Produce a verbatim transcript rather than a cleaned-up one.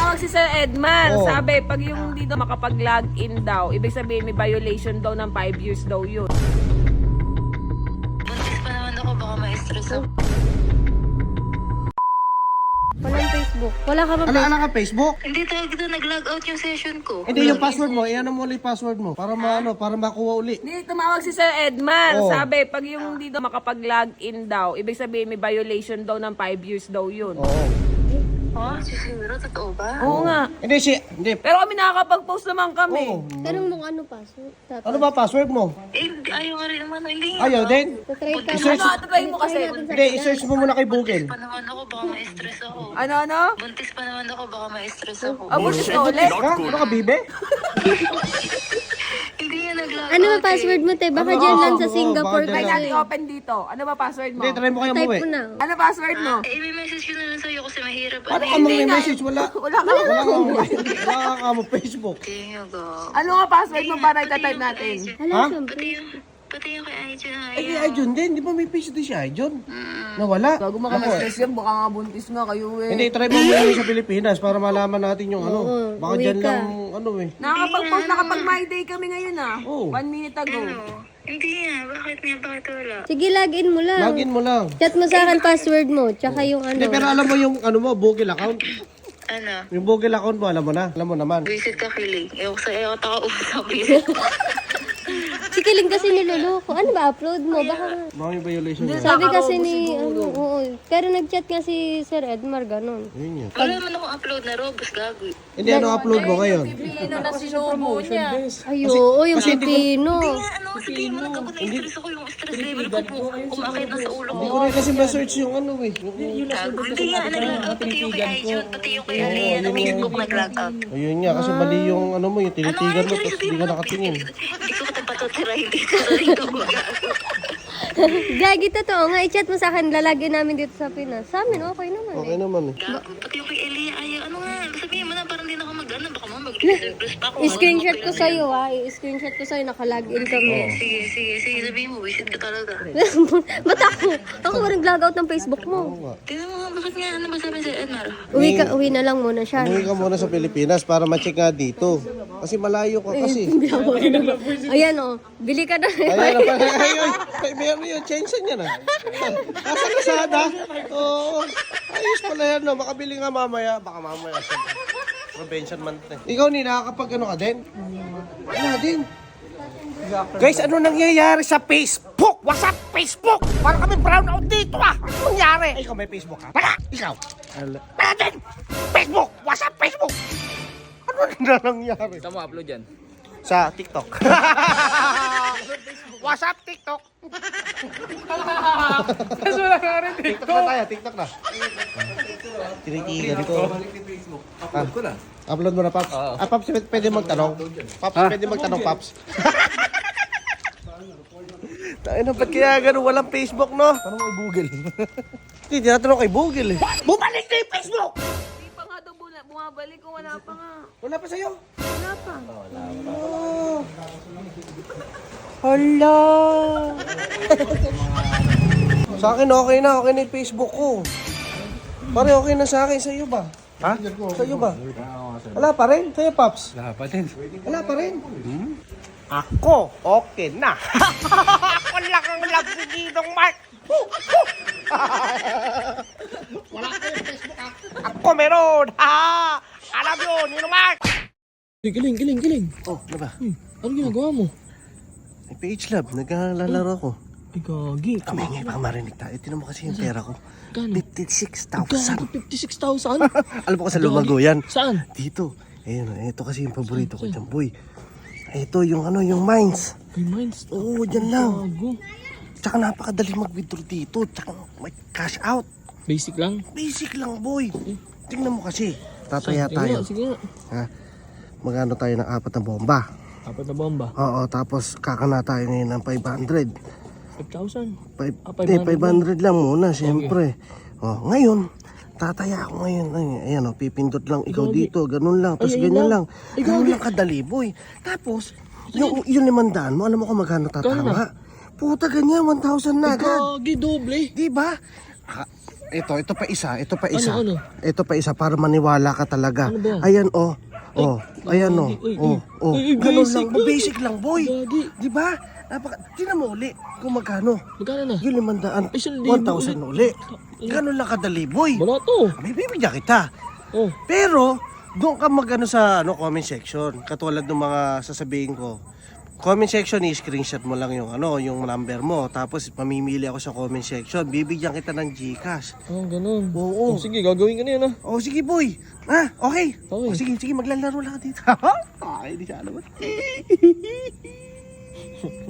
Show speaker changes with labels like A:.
A: tumawag si Sir Edman.
B: Oh.
A: Sabi, pag yung dito makapag-log in daw, ibig sabihin may violation daw ng five years daw yun.
C: Buntis pa naman ako, baka ma-stress ako.
D: Walang Facebook. Wala ka ba
B: Ano,
D: Facebook?
B: ano ka, Facebook?
C: Hindi talaga dito nag-log out yung session ko.
B: Hindi, yung password mo. Iyan mo ulit password mo. Para maano, para makuha uli.
A: Hindi, tumawag si Sir Edman.
B: Oh.
A: Sabi, pag yung dito makapag-log in daw, ibig sabihin may violation daw ng five years daw yun.
B: Oo.
C: Ha? Siguro, totoo ba?
A: Oo nga.
B: Hindi, si... Hindi.
A: Pero kami nakakapag-post naman kami.
B: Oo.
D: Tanong mo ano password. Tapos,
B: Ano ba password mo?
C: Eh, ayaw nga rin naman. Hindi nga.
B: Ayaw din?
D: try ka
B: I-search-
A: Ano, try mo kasi.
B: Hindi, i-search mo muna kay Google.
C: Pa naman ako, baka ma-stress ako.
A: Ano, ano?
C: Buntis pa naman ako, baka ma-stress ako.
A: Abos ka ulit.
B: Ha? Ano ka, bibe?
C: Hindi nga nag-log out.
D: Ano ba password mo, te? Baka
B: Ano?
D: dyan lang
B: Oo,
D: sa
B: oo,
D: Singapore
B: baka
A: Try
B: dyan
D: kasi.
A: natin open dito. Ano ba password mo?
B: Hindi, try mo kaya
D: Type
B: umuwi.
D: mo na.
A: Ano password mo?
C: Eh, may message ko na lang sa'yo kasi mahirap.
B: Ano ka
C: Ano
B: mong may message? Wala.
A: Wala ka.
B: Wala ka mo. Wala ka mo Facebook.
C: Hindi nga ga.
A: Ano nga password mo para itatype natin?
D: Hala,
B: Ha?
D: syempre.
C: Pati yung, pati yung kay Aijun na
B: Eh, ay, Jun din. Di ba may page din si Ayjun? Nawala.
A: Bago
B: Ako,
A: makamas-stress yan, baka nga buntis nga kayo eh.
B: Hindi, try mo muna sa Pilipinas para malaman natin yung ano.
D: Oo,
B: Baka
D: uwi
B: dyan
D: ka.
B: lang, ano eh.
A: Nakakapag-post na kapag my day kami ngayon ah.
B: Oo.
A: One minute ago.
C: Ano? Hindi nga. Bakit nga? Bakit wala?
D: Sige, login mo lang.
B: Login mo lang.
D: Chat mo sa akin password mo. Tsaka yung ano.
B: Hindi, pero alam mo yung ano mo, Google account.
C: Ano?
B: Yung Google account mo, alam mo na. Alam mo naman.
C: Visit ka kilig. Ewan ko sa iyo, taka-usap. Visit ko.
D: Si Kiling kasi niloloko. Ano ba, upload mo? Baka nga.
B: Baka may violation yan.
D: Sabi kasi ni, ano, oo. Pero nag-chat nga si Sir Edmar, ganun.
B: Yun yan.
C: Wala naman akong upload na robos, gagoy.
B: Hindi, ano upload mo ngayon?
A: Pino na sinubo niya.
D: Ay, oo, yung pipino.
C: Nga, ano, sabihin mo, nagkabot na stress ako. Yung stress level ko po, umakit na sa ulo ko.
B: Hindi ko rin kasi ma-search yung ano eh. Yung-
C: Gago. Hindi nga, nag-log out. Pati yung kay Aijun, pati yung kay Alea, na Facebook nag-log out.
B: Ayun nga, kasi mali yung ano mo, yung tinitigan mo, tapos hindi ka nakatingin.
C: Hindi ko katapatotira, hindi ko sasabihin ko gago.
D: Gagi, totoo nga. I-chat mo sa akin, lalagyan namin dito sa Pinas. Sa amin, okay naman
B: Okay
D: eh.
B: naman eh.
C: Gago. Pati yung kay Alea, ayaw. Ano nga, sabihin mo na, parang hindi na ako mag-ano. Baka mo mag-stress pa ako.
D: I-screenshot ko sa'yo ha. I-screenshot ko sa'yo, nakalagin kami.
C: Sige, sige, sige. Sabihin mo, visit ka talaga.
D: Ba't ako? Ako ba nag-log out ng Facebook mo?
B: Oo nga.
C: Tingnan mo nga, bakit nga, ano ba sabi sa Edmar?
D: Uwi ka, uwi na lang muna siya.
B: Umuwi ka muna sa Pilipinas para ma-check nga dito. Kasi malayo ka kasi.
D: Ayan o, bili ka na.
B: Ayan na pala. Ayun. Ay, meron yun. Change niya na. Nasa kasada. Oo. Ayos pala yan. No. Makabili nga mamaya. Baka mamaya. Prevention month na. Ikaw ni, nakakapag ano ka din? Wala din. Guys, ano nangyayari sa Facebook? What's up, Facebook? Parang kami brown out dito ah. Ano nangyari? Ay, ikaw may Facebook ka? Wala! Ikaw? Wala din! Facebook! What's up, Facebook? Ano na nangyari?
E: Saan mo upload yan?
B: Sa TikTok. What's up, TikTok?
E: Kaso wala ka rin
B: TikTok na tayo, TikTok na. Tinitigan ko.
E: Upload ko na.
B: Upload mo na, Paps.
E: Oo.
B: Ah, Paps, pwede magtanong. Paps, pwede magtanong, Paps. Tayo na, ba't kaya ganun walang Facebook, no?
E: Tanong mo Google.
B: Hindi, tinatanong kay Google eh. Bumalik na yung Facebook!
A: Hindi pa nga daw bula- bumabalik kung wala pa nga.
B: Wala pa sa'yo.
A: Wala pa.
B: Oh. Hala. Sa akin okay na, okay na yung Facebook ko. Pare, okay na sa akin. Sa iyo ba? Ha? Sa iyo ba? Wala pa rin? Sa'yo, Paps?
E: Wala pa din.
B: Wala pa rin? Ako, okay na. Ako lang ang love si Gidong Mark. Wala ko yung Facebook, ha? Ako meron, ha? Alam yun, Gidong Mark.
E: Hey, giling, giling, giling.
B: Oh, ano ba?
E: Ano ginagawa mo?
B: May page lab, naglalaro ko.
E: Ay, gagi.
B: Kami ngayon, baka marinig tayo. Tinan mo kasi yung pera ko.
E: Kano?
B: fifty-six
E: Gagi,
B: thousand.
E: fifty-six thousand?
B: Alam mo ko sa lumago yan.
E: Saan?
B: Dito. Ayun, ito kasi yung paborito ko dyan, boy. Ito yung ano, yung mines.
E: May mines.
B: Oo, dyan lang.
E: Gago.
B: Tsaka napakadali mag-withdraw dito. Tsaka may cash out.
E: Basic lang.
B: Basic lang, boy. Tingnan mo kasi. Tataya
E: Sige
B: tayo.
E: nga, sige nga.
B: Ha? Magano tayo ng apat na bomba.
E: Apat na bomba.
B: Oo, tapos kakana tayo ngayon ng five hundred.
E: five thousand.
B: Five,
E: Ah,
B: eh,
E: five hundred
B: five hundred lang muna, siyempre. Oh, ngayon, tataya ako ngayon. Ay, ayan, oh, pipindot lang ikaw
E: Gagi.
B: dito. Ganun lang. Tapos
E: Ay, ayun
B: ganyan
E: lang.
B: lang.
E: Ay,
B: Ganun
E: gagi.
B: lang kadali, boy. Tapos, yung, yung limandaan mo, alam mo kung magkano tatama? Puta, ganyan, one thousand na
E: Ay,
B: agad.
E: gagi, doble.
B: Di ba? Ah, ito, ito pa isa, ito pa isa.
E: Ano, ano?
B: Ito pa isa para maniwala ka talaga.
E: Ano ba?
B: Ayan oh. Oh, ayan oh.
E: Uy, uy,
B: Oh, oh.
E: uy, uy,
B: Ganun
E: basic,
B: lang, basic lang, boy.
E: Gagi.
B: Di ba? Napaka, tingnan mo uli kung magkano.
E: Magkano na?
B: Yung limandaan,
E: Isang libo
B: one thousand uli. Ganun lang kadali, boy.
E: Wala to.
B: May bibigyan kita.
E: Oh.
B: Pero, doon ka mag-ano sa ano, comment section. Katulad ng mga sasabihin ko. Comment section, i-screenshot mo lang yung ano, yung number mo. Tapos mamimili ako sa comment section. Bibigyan kita ng Gcash.
E: Oh, ganun.
B: Oo.
E: Oh, sige, gagawin ko na yun ah.
B: Oh, sige boy. Ah, okay.
E: Okay.
B: Oh, sige, sige, maglalaro lang ka dito. Ay, di siya alam.